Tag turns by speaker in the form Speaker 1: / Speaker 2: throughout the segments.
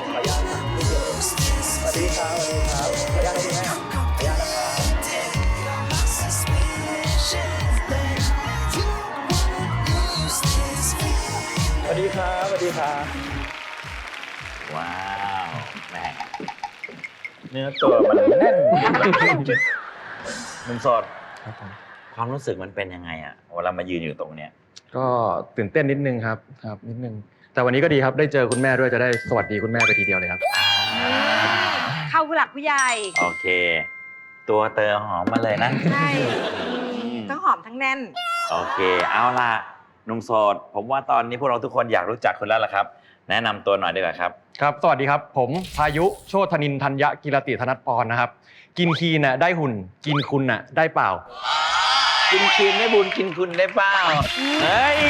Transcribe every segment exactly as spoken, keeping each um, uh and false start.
Speaker 1: อนุญาตสวัสดีครับสวัสดีครับขออนุญาตให้คุณแม่ขออนุญาตนะครับ สวัสดีครับสวัสดีครับ
Speaker 2: ว้าวแม่เนื้อตัวมันแน่นหนุ่มโสด
Speaker 3: ครับผม
Speaker 2: ความรู้สึกมันเป็นยังไงอะเวลามายืนอยู่ตรงเนี้ย
Speaker 3: ก็ตื่นเต้นนิดนึงครับครับนิดนึงแต่วันนี้ก็ดีครับได้เจอคุณแม่ด้วยจะได้สวัสดีคุณแม่ไปทีเดียวเลยครับ
Speaker 4: เข้าผู้หลักผู้ใหญ่
Speaker 2: โอเค ตัวเตอหอมมาเลยนะ
Speaker 4: ใช่ทั้งหอมทั้งแน่น
Speaker 2: โอเค เอาล่ะหนุ่มโสด ผมว่าตอนนี้พวกเราทุกคนอยากรู้จักคุณแล้วล่ะครับ แนะนำตัวหน่อยดีกว่าครับ
Speaker 3: ครับสวัสดีครับผมพายุโชธนินธัญญกิรติธนัทพรนะครับกินคีนน่ะได้หุ่นกินคุณน่ะได้เปล่า
Speaker 2: กินคืนได้บุญกินคุณได้เปล่าเฮ้ย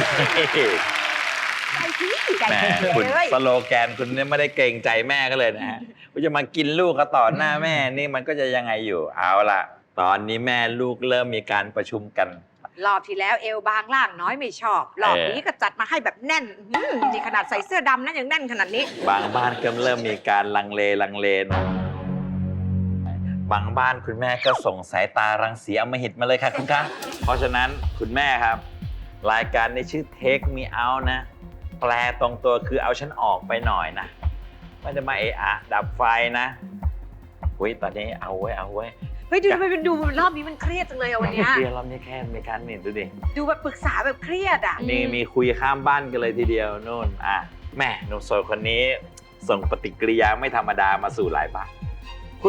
Speaker 4: ใจพี่ใจ
Speaker 2: แหม
Speaker 4: พี่
Speaker 2: คุณ
Speaker 4: เลย
Speaker 2: สโลแกนคุณเนี่ยไม่ได้เกรงใจแม่ก็เลยนะฮะว่าจะมากินลูกก็ต่อหน้าแม่นี่มันก็จะยังไงอยู่ เอาล่ะ ตอนนี้แม่ลูกเริ่มมีการประชุมกัน
Speaker 4: รอบที่แล้วเอวบางล่างน้อยไม่ชอบ รอบนี้ก็จัดมาให้แบบแน่นอื้อหือนี่ขนาดใส่เสื้อดำนะยังแน่นขนาดนี้
Speaker 2: บางบ้านก็เริ่มมีการลังเลลังเลหน่อยบางบ้านคุณแม่ก็ส่งสายตารังสีอำมหิตมาเลยค่ะคุณคะเพราะฉะนั้นคุณแม่ครับ รายการนี้ชื่อ Take Me Out นะ แปลตรงตัวคือเอาฉันออกไปหน่อยนะไม่ได้มาเอะอะดับไฟนะอุ้ยตอนนี้เอาไว้เอาไว้
Speaker 4: เฮ้ยดูทำไมเป็นดูรอบนี้มันเครียดจังเลยอะวันเนี้ย
Speaker 2: เดียวรอบนี้แค่มีการนี่ดูดิ
Speaker 4: ดูแบบปรึกษาแบบเครียดอ่ะ
Speaker 2: นี่มีคุยข้ามบ้านกันเลยทีเดียวนู่นอ่ะแม่หนุ่มโสดคนนี้ส่งปฏิกิริยาไม่ธรรมดามาสู่หลายบ้าน